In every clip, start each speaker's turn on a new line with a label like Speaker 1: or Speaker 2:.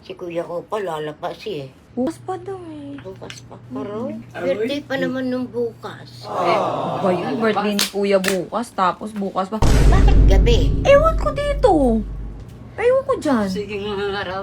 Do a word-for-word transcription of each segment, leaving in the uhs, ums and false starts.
Speaker 1: Si kuya ko pa lalabas eh.
Speaker 2: Bukas pa daw eh.
Speaker 1: Bukas pa. Pero, birthday pa naman nung bukas.
Speaker 2: Oh. Ba yun? Birthday ni kuya bukas, tapos bukas pa.
Speaker 1: Bakit gabi?
Speaker 2: Ewan ko dito. Ewan ko dyan.
Speaker 1: Sige nga araw.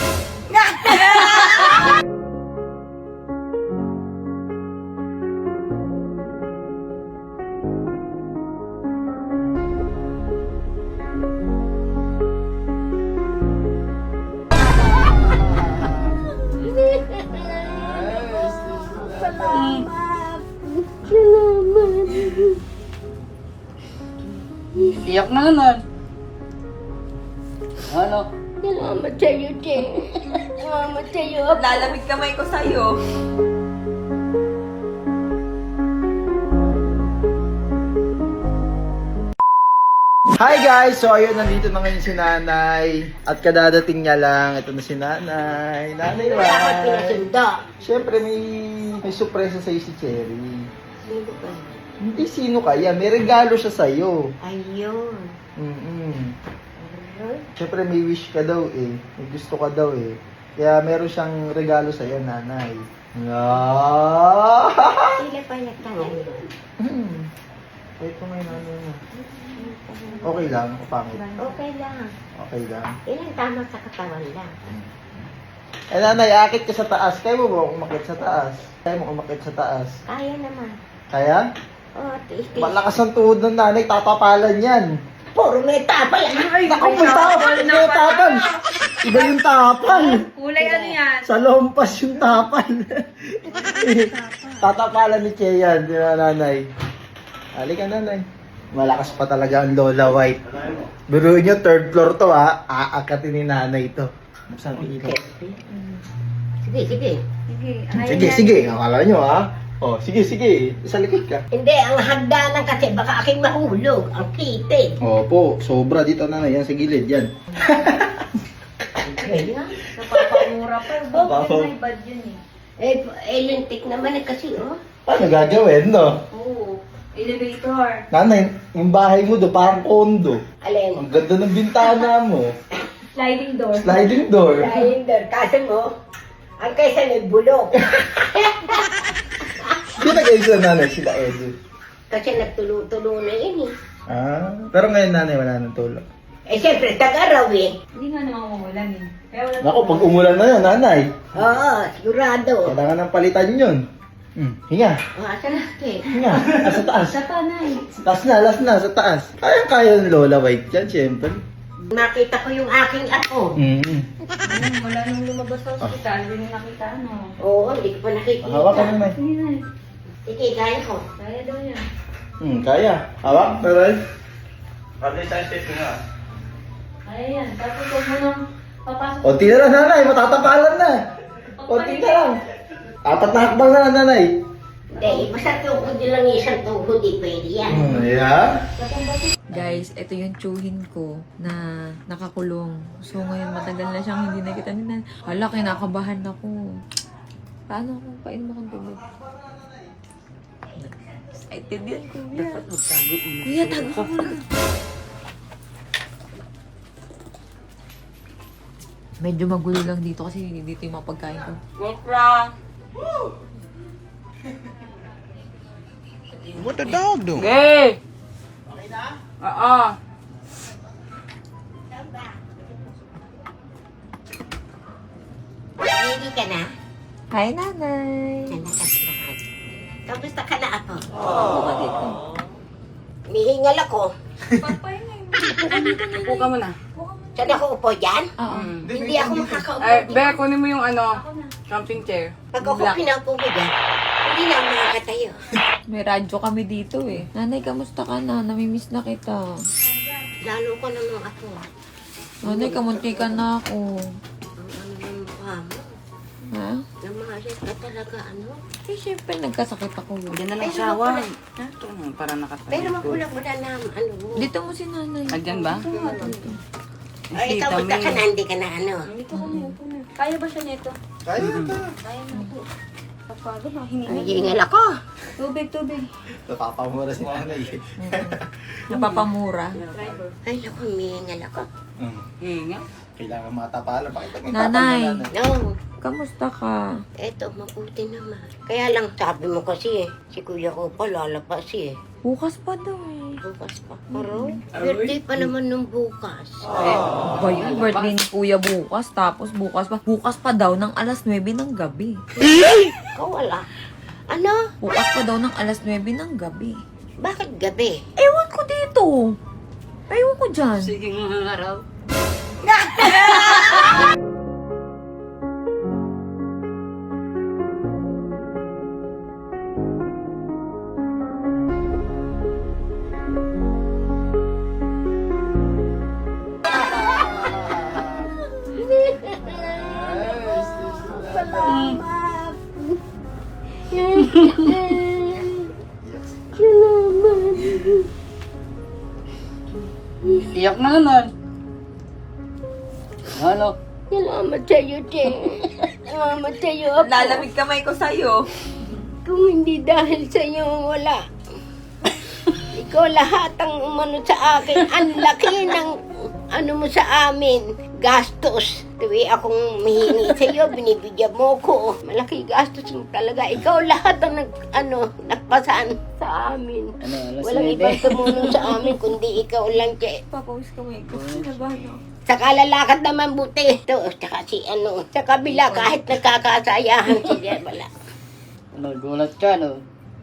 Speaker 3: Iyak na naman. Ano?
Speaker 1: Salamat sa'yo, Che. Salamat sa'yo.
Speaker 2: Lalamig kamay ko sa'yo.
Speaker 4: Hi guys! So ayun, nandito na ngayon si Nanay. At kadadating niya lang, ito na si Nanay. Nanay,
Speaker 1: Bakit
Speaker 4: Rai.
Speaker 1: pinasunda?
Speaker 4: Siyempre may, may surpresa sa'yo si Cherry.
Speaker 1: Sino ba?
Speaker 4: Hindi sino kaya, may regalo siya sa'yo.
Speaker 1: Ayun.
Speaker 4: Mm-mm.
Speaker 1: Ayun.
Speaker 4: Siyempre may wish ka daw eh. May gusto ka daw eh. Kaya meron siyang regalo sa'yo, Nanay. Ah!
Speaker 1: Sila pa nagtangan yun.
Speaker 4: Hmm. Ito may nanay mo. Okay lang, o pangit.
Speaker 1: Okay lang.
Speaker 4: Okay lang.
Speaker 1: Ilang tama sa katawan lang.
Speaker 4: Eh nanay, akit ka sa taas. Kaya mo ba umakit sa taas? Kaya mo umakit sa taas?
Speaker 1: Kaya naman.
Speaker 4: Kaya?
Speaker 1: Oh, tiis-tiis.
Speaker 4: Malakas ang tuhod ng nanay, tatapalan yan.
Speaker 1: Puro may tapal. Ay,
Speaker 4: Naku, may tapal! May tapal! Iba yung tapal!
Speaker 2: Kulay ano yan?
Speaker 4: Sa lompas yung tapal. Tatapalan ni Che yan, di ba nanay? Halika nanay. Malakas pa talaga ang Lola White. Biruin nyo, third floor to ha. Aakatin ni nanay to. Buksan ko ilaw.
Speaker 1: Sige, sige.
Speaker 4: Sige, sige. Akala nyo ha. Oh, sige, sige. Sa likod ka.
Speaker 1: Hindi, ang hagdanan kasi baka aking mahulog. Ang kitid.
Speaker 4: Opo, sobra dito na yan sa gilid yan.
Speaker 1: Kaya?
Speaker 2: Napapamura pa.
Speaker 4: Napapa-
Speaker 2: May bad yun eh.
Speaker 1: Eh, eh, lintik naman eh kasi, oh.
Speaker 4: Paano gagawin, no?
Speaker 2: Oo. Elevator.
Speaker 4: Nanay, yung bahay mo do parang kondo.
Speaker 1: Alin?
Speaker 4: Ang ganda ng bintana mo.
Speaker 2: Sliding door.
Speaker 4: Sliding door.
Speaker 1: Dahil doon, kasi mo, ang kaysa nagbulok.
Speaker 4: Di nag-ayos na nanay sila, Edu.
Speaker 1: Kasi nagtulo-tulo na yun eh.
Speaker 4: Ah, pero ngayon nanay wala nang tulog.
Speaker 1: Eh, siyempre, tag-araw eh.
Speaker 2: Hindi nga naman umulan eh. Kaya wala.
Speaker 4: Naku, pag umulan na yun, nanay,
Speaker 1: Oo, sigurado.
Speaker 4: kailangan ng palitan yun. Hmm, hinga,
Speaker 1: Oh, asan na, Che?
Speaker 4: hinga. Ah, sa taas.
Speaker 2: Sa tanay.
Speaker 4: Taas na, last na, sa taas. Kaya-kaya ng Lola White yan, siyempre.
Speaker 1: Nakita ko yung aking ako.
Speaker 4: Mm.
Speaker 2: Ano, wala nung lumabas sa ospital. Hindi na nakita ano.
Speaker 1: Oo, hindi ko pa nakikita.
Speaker 4: Hawak ka naman.
Speaker 2: Hindi na.
Speaker 1: Sige, kaya ko.
Speaker 2: Kaya daw yan.
Speaker 4: Hmm, kaya. Hawak, taray.
Speaker 2: Kaya yan. Tapos huwag mo nang papasok.
Speaker 4: Konti na lang, nanay. Matatapalan na. Konti na lang. Apat na hakbang na lang, nanay.
Speaker 1: Hindi, basta tuhod yun lang isang tuhod, di pwede yan.
Speaker 4: Hmm, yeah.
Speaker 2: Guys, ito yung tsuhin ko na nakakulong. So ngayon matagal na siyang hindi nakita ni Nan. Hala, kinakabahan ako. Paano kung painom akong tubig? Excited yan, kuya. Kuya, tago ka muna. Medyo magulo lang dito kasi dito yung mga pagkain ko.
Speaker 5: What the dog doing?
Speaker 3: Okay. Oo.
Speaker 1: Ready ka na?
Speaker 2: Hi, nanay.
Speaker 1: Nanakas lahat. Kamusta ka na ako?
Speaker 2: Oo, ka dito.
Speaker 1: Mihingal ako.
Speaker 3: Upo ka muna.
Speaker 1: Saan ako upo dyan?
Speaker 2: Oo.
Speaker 1: Hindi ako makakaupo
Speaker 3: Ay,
Speaker 1: dyan.
Speaker 3: Be, kunin mo yung ano, camping chair.
Speaker 1: Pag ako
Speaker 3: Black.
Speaker 1: pinaupo mo dyan, hindi na ako makakatayo.
Speaker 2: May radyo kami dito eh. Nanay, kamusta ka na? Namimiss na kita.
Speaker 1: Lalo ko naman ako.
Speaker 2: Nanay, kamunti ka na ako.
Speaker 1: Ang ano ng mukha mo.
Speaker 2: Ha?
Speaker 1: Namahalit ka talaga, ano?
Speaker 2: Eh, syempre, nagkasakit ako.
Speaker 3: Diyan na lang
Speaker 1: Pero
Speaker 3: sawa.
Speaker 1: wala-
Speaker 3: Ito na, para nakatayo.
Speaker 1: Pero magulang mo na naman, ano mo.
Speaker 2: Dito mo si nanay.
Speaker 3: Andyan ba?
Speaker 1: Ay, ikaw, basta ka na, hindi ka na, ano.
Speaker 2: Dito ko na, upo na. Kaya ba siya nito?
Speaker 4: Kaya ka.
Speaker 2: Kaya na po. Papagod na, hininga.
Speaker 1: Nagiingal ako.
Speaker 2: Tubig, tubig.
Speaker 4: Napapamura si nanay.
Speaker 2: Napapamura.
Speaker 1: Ay, naku, mihingal ako.
Speaker 4: Hmm.
Speaker 3: Hinga.
Speaker 4: Kailangan matapalan. Pakita mo yung
Speaker 2: Nanay.
Speaker 4: tapang na nanay.
Speaker 1: No,
Speaker 2: Kamusta ka?
Speaker 1: eto, mabuti naman. Kaya lang sabi mo kasi, si kuya ko pa lalapas eh.
Speaker 2: Bukas pa daw eh.
Speaker 1: Bukas pa. Pero, birthday pa naman nung bukas.
Speaker 2: Ba yun? Birthday ni Kuya bukas. Tapos bukas pa. Bukas pa daw ng alas nuwebe ng gabi.
Speaker 1: Ikaw wala. Ano?
Speaker 2: Bukas pa daw ng alas nuwebe ng gabi.
Speaker 1: Bakit gabi?
Speaker 2: Ewan ko dito. Ewan ko dyan.
Speaker 3: Sige nga araw. Iyak na naman. Ano?
Speaker 1: Salamat sa'yo, Che. Salamat sa'yo, Apo.
Speaker 2: Lalamig kamay ko sa'yo.
Speaker 1: Kung hindi dahil sa'yo, wala. Ikaw lahat ang umano sa akin. Ang laki ng ano mo sa amin. Gastos. Tuwi akong mihingi sa'yo, binibigyan mo ko. Malaki gastos mo talaga. Ikaw lahat ang nag, ano, nagpasan sa amin.
Speaker 3: Ano, alas
Speaker 1: Walang
Speaker 3: nuwebe?
Speaker 1: ibang tumulong sa amin, kundi ikaw lang, Che.
Speaker 2: Papawis kamay ko. Sinabahan ako.
Speaker 1: Saka lalakad naman buti. Ito, tsaka si ano, sa kabila, kahit nagkakasayahan sila, wala.
Speaker 3: Nagulat ka, no?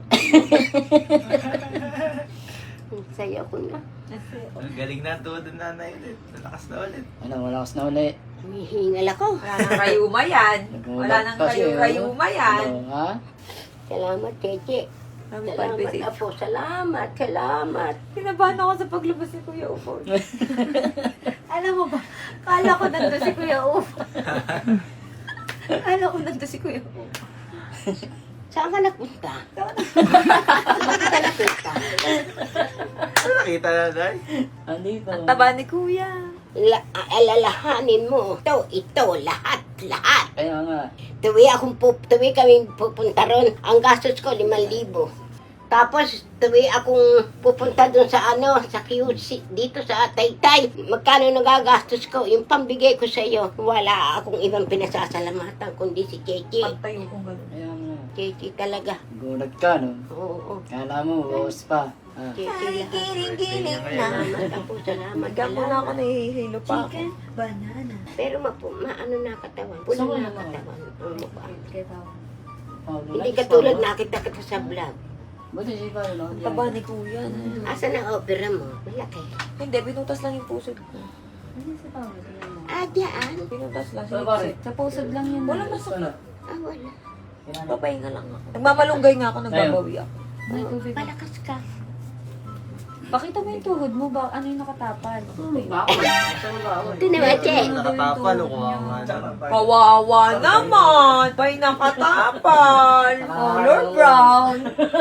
Speaker 1: Saya ko na.
Speaker 4: Ang galing na tuwa doon nanay ulit. Nalakas na ulit.
Speaker 3: Ano, malakas na uli.
Speaker 1: Humihingal ako.
Speaker 2: Wala nang kayuma yan. Wala nang
Speaker 3: Kasi,
Speaker 2: kayu-kayuma yan.
Speaker 3: Ano, ha?
Speaker 1: Salamat, Cheche.
Speaker 2: Sabi pa,
Speaker 1: Salamat,
Speaker 2: visit.
Speaker 1: Apo. Salamat, salamat.
Speaker 2: Kinabahan ako sa paglabas ni Kuya Ufo. Alam mo ba, kala ko nandun si Kuya Ufo. Kala ko nandun si Kuya Ufo.
Speaker 1: Saan ka nagpunta? Saan ka nagpunta?
Speaker 4: Ano nakita nanay?
Speaker 3: Andito.
Speaker 2: Ang taba ni Kuya.
Speaker 1: La alalahanin mo. Ito, ito, lahat, lahat.
Speaker 3: Kaya nga.
Speaker 1: Tuwi akong pup, tuwi kami pupunta ron. Ang gastos ko, limang libo. Tapos, tuwi akong pupunta doon sa ano, sa Q C, dito sa Taytay. Magkano nagagastos ko? Yung pambigay ko sa iyo. Wala akong ibang pinasasalamatan, kundi si Cheche.
Speaker 2: Pagtayo kong gano'n.
Speaker 3: Kaya nga.
Speaker 1: Cheche talaga.
Speaker 3: Gulat ka, no?
Speaker 1: Oo, oo.
Speaker 3: Kala mo, bawas pa. Ah.
Speaker 1: Cheche lahat.
Speaker 2: Giling-giling na.
Speaker 1: Salamat ako, salamat.
Speaker 2: Magka muna ako nahihilo pa ako.
Speaker 1: Pero mapu, maano na katawan. Pula na katawan. Ang mukha.
Speaker 3: Oh,
Speaker 1: Hindi
Speaker 3: relax
Speaker 1: katulad
Speaker 3: pa, no?
Speaker 1: nakita kita sa vlog.
Speaker 3: Buti si Pao, no?
Speaker 2: Ang taba ni Kuya. na.
Speaker 1: Asa na opera mo? Malaki.
Speaker 2: Hindi, binutas lang yung pusod ko.
Speaker 1: Ah, diyan.
Speaker 2: Binutas lang.
Speaker 3: Sa pare.
Speaker 2: Sa pusod lang yun. Wala masakit.
Speaker 3: Ano?
Speaker 1: Ah, wala.
Speaker 2: Papahinga lang ako. Nagmamalunggay nga ako, nagbabawi ako.
Speaker 1: Oh, palakas ka.
Speaker 2: Pakita mo yung tuhod mo, ba? Ano yung nakatapal?
Speaker 1: Ito naman, Che.
Speaker 4: Nakatapal o kawawa naman.
Speaker 2: Kawawa naman! May nakatapal! Color brown!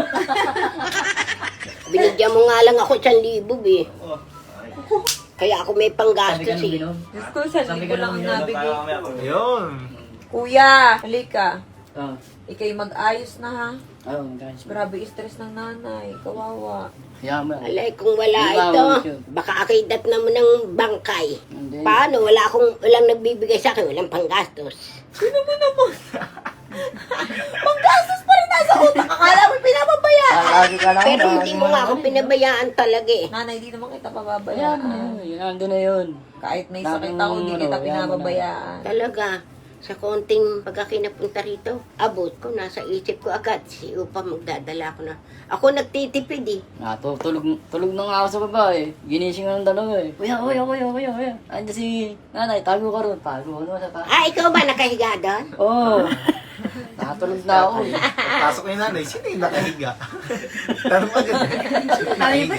Speaker 1: Binigyan mo nga lang ako isang libo, eh. Kaya ako may panggastos, eh.
Speaker 2: Diyos ko, sa libo lang ang nabigay.
Speaker 4: Yun.
Speaker 2: Kuya, halika.
Speaker 3: Ah.
Speaker 2: Ikay mag-ayos na ha.
Speaker 3: Ano, guys.
Speaker 2: Grabe, stress ng nanay. Kawawa.
Speaker 3: Kaya mo.
Speaker 1: Alay, kung wala
Speaker 3: Hindi ba,
Speaker 1: ito,
Speaker 3: Wicho?
Speaker 1: baka akidat naman ng bangkay.
Speaker 3: Hindi.
Speaker 1: Paano? Wala akong, walang nagbibigay sa akin, walang panggastos.
Speaker 2: Sino mo naman? Panggastos pa rin nasa utak. Akala mo pinapabayaan.
Speaker 3: Ah, lagi ka lang.
Speaker 1: Pero
Speaker 3: lagi
Speaker 1: hindi mo nga ako pinabayaan talaga, eh.
Speaker 2: Nanay, di naman kita
Speaker 3: Kaya
Speaker 2: pababayaan.
Speaker 3: mo na yun. Yan, andun na yun.
Speaker 2: Kahit may sakit
Speaker 3: Laging
Speaker 2: ako, di kita
Speaker 3: ano, yan
Speaker 2: pinababayaan.
Speaker 1: Talaga, sa konting pagkakinapunta rito, abot ko, nasa isip ko agad, si Upa magdadala ko na. Ako nagtitipid, eh.
Speaker 3: Natutulog, tulog na nga ako sa baba eh. Ginising nga ng dalawa eh. Kuya, kuya, kuya, kuya, kuya. Andiyan si nanay, tago ka ron. Tago ko naman sa tago.
Speaker 1: Ah, ikaw ba nakahiga doon?
Speaker 3: Oo. Oh. Natulog na ako eh.
Speaker 4: Pasok ni nanay, sino yung nakahiga? Tanong agad. Sino yung nakahiga?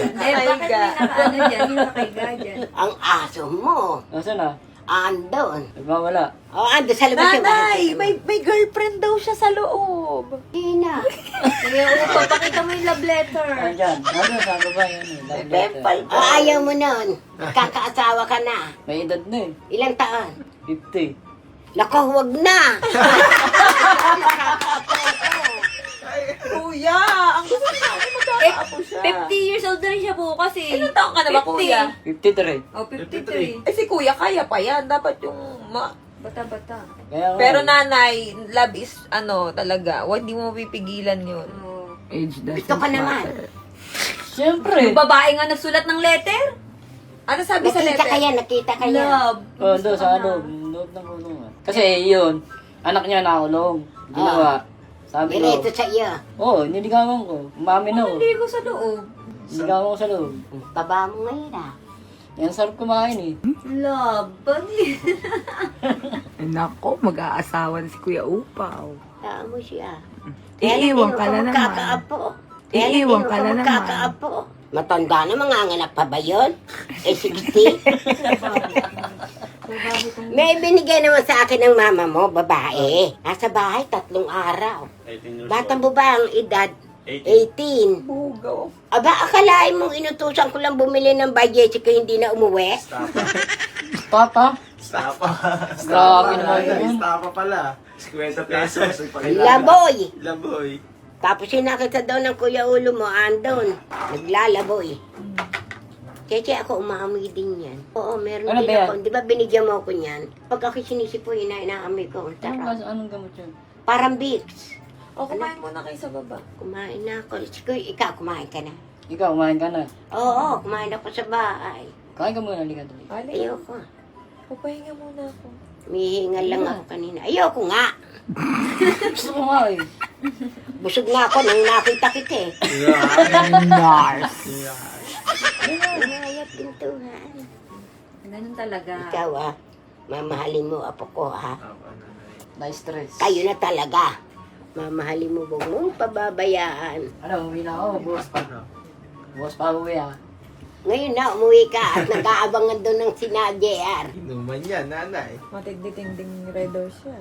Speaker 2: Nakahiga.
Speaker 1: Ang aso mo,
Speaker 3: Nasaan na?
Speaker 1: andon.
Speaker 3: Nagmawala.
Speaker 1: O, ando sa labas yung
Speaker 2: Nanay, may, may girlfriend daw siya sa loob.
Speaker 1: Tina.
Speaker 2: Kaya upo, pakita mo yung love letter.
Speaker 3: Nandyan. Nandun sa baba yan eh. Love
Speaker 2: Pempal.
Speaker 3: letter.
Speaker 1: O, ayaw mo nun. Kakaasawa ka na.
Speaker 3: May edad na eh.
Speaker 1: Ilang taon?
Speaker 3: fifty.
Speaker 1: Lako, huwag na.
Speaker 2: Kuya, ang gusto niya ako Ako siya.
Speaker 6: fifty years old na rin siya bukas eh.
Speaker 2: Ilang taon ka na ba,
Speaker 6: fifty.
Speaker 2: kuya?
Speaker 3: fifty-three.
Speaker 6: Oh, fifty-three.
Speaker 2: Eh, si kuya, kaya pa yan. Dapat yung... Ma-
Speaker 6: Bata-bata.
Speaker 3: Kaya nga,
Speaker 2: Pero
Speaker 3: eh,
Speaker 2: nanay, love is, ano, talaga, wag di mo pipigilan yun.
Speaker 6: Oh.
Speaker 3: age doesn't
Speaker 1: Gusto ka naman.
Speaker 3: matter. Siyempre.
Speaker 6: Yung babae nga nagsulat ng letter?
Speaker 2: Ano sabi sa
Speaker 1: Nakita
Speaker 2: letter?
Speaker 1: kaya, nakita kaya.
Speaker 6: Love.
Speaker 3: Oh,
Speaker 6: Gusto
Speaker 3: doon
Speaker 6: ka
Speaker 3: sa
Speaker 6: na.
Speaker 3: loob. Loob ng kulungan. Kasi yun, anak niya nakulong. Ginawa. Sabi ko,
Speaker 1: Direto sa iyo.
Speaker 3: oo, oh, niligawan ko. Umamin ako.
Speaker 6: Hindi ko sa loob.
Speaker 3: Niligawan ko sa loob.
Speaker 1: Baba mo ngayon ah.
Speaker 3: Yan, sarap kumain eh.
Speaker 6: Love. Bali.
Speaker 7: Nako, mag-aasawa na si Kuya Upaw.
Speaker 1: Saan mo siya?
Speaker 7: Iiwan ka na naman.
Speaker 1: Magkakaapo.
Speaker 7: Iiwan ka na naman.
Speaker 1: Magkakaapo. Matanda na, mga anak pa ba yun? Eh, sixty? May binigay naman sa akin ng mama mo, babae. Nasa bahay, tatlong araw. Batang ba ang edad? eighteen.
Speaker 2: Bugaw.
Speaker 1: Aba, akalain mong inutusan ko lang bumili ng budget kaya hindi na umuwi?
Speaker 3: Papa?
Speaker 4: Stapa.
Speaker 3: Grabe naman yun.
Speaker 4: Stapa pala. fifty pesos.
Speaker 1: Laboy!
Speaker 4: Laboy.
Speaker 1: Tapos sinakita daw ng kuya ulo mo, andon. Naglalaboy. Cheche, ako umaamoy din yan. Oo, meron
Speaker 3: Ano
Speaker 1: din
Speaker 3: ba yan?
Speaker 1: ako. Di ba binigyan mo ako niyan? Pag ako sinisipoy, ina inaamoy ko.
Speaker 3: Anong,
Speaker 1: Tara.
Speaker 3: gas- anong gamot yun?
Speaker 1: Parang Vicks.
Speaker 2: O, kumain muna kayo sa baba.
Speaker 1: Kumain na ako. Sige, ikaw, kumain ka na.
Speaker 3: Ikaw, kumain ka na.
Speaker 1: Oo, kumain ako sa bahay.
Speaker 3: Kain ka muna, halika tuloy.
Speaker 2: Alin,
Speaker 1: Ayoko.
Speaker 2: papahinga muna ako.
Speaker 1: Mihingal lang ako kanina. Ayoko nga.
Speaker 3: Gusto ko nga eh.
Speaker 1: Busog na ako nang nakita kita eh.
Speaker 7: Nars.
Speaker 1: Inayat pintuhan.
Speaker 6: Ganun talaga.
Speaker 1: Ikaw ah, mamahalin mo apo ko ha.
Speaker 3: Na-stress.
Speaker 1: Kayo na talaga. Mamahalin mo, huwag mong pababayaan.
Speaker 3: Ano, uwi na ako, boss pa. Boss pa uwi ah.
Speaker 1: Ngayon na, umuwi ka at nag-aabangan doon ng sina J R.
Speaker 4: Inuman yan, nanay.
Speaker 2: Matigdi-ting-ding red doors yan.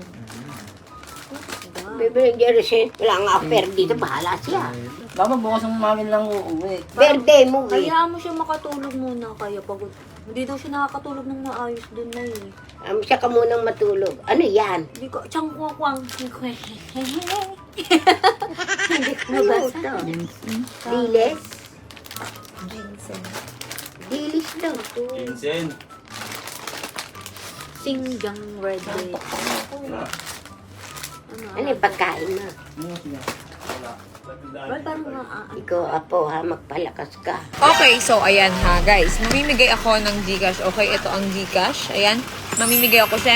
Speaker 1: Bebe, Jerry, wala nga affair dito, bahala siya.
Speaker 3: Dapat bukas ng umamin lang uuwi.
Speaker 1: Birthday mo eh.
Speaker 6: Kaya mo siya makatulog muna kaya pagod. Hindi daw siya nakakatulog ng maayos doon na eh.
Speaker 1: Um, siya ka munang matulog. Ano yan?
Speaker 6: Hindi ko, tiyang kuwang. Hindi ko
Speaker 1: Ano ba ito? Dilis?
Speaker 2: Ginseng.
Speaker 1: Dilis daw to.
Speaker 4: Vincent.
Speaker 6: Singjang red day.
Speaker 1: Ano yung pagkain mo?
Speaker 3: Ano siya?
Speaker 6: Well, parang nga, ah,
Speaker 1: Ikaw, apo ha, magpalakas ka.
Speaker 2: Okay, so ayan ha guys. Mamimigay ako ng Gcash. Okay, ito ang Gcash. Ayan. Mamimigay ako.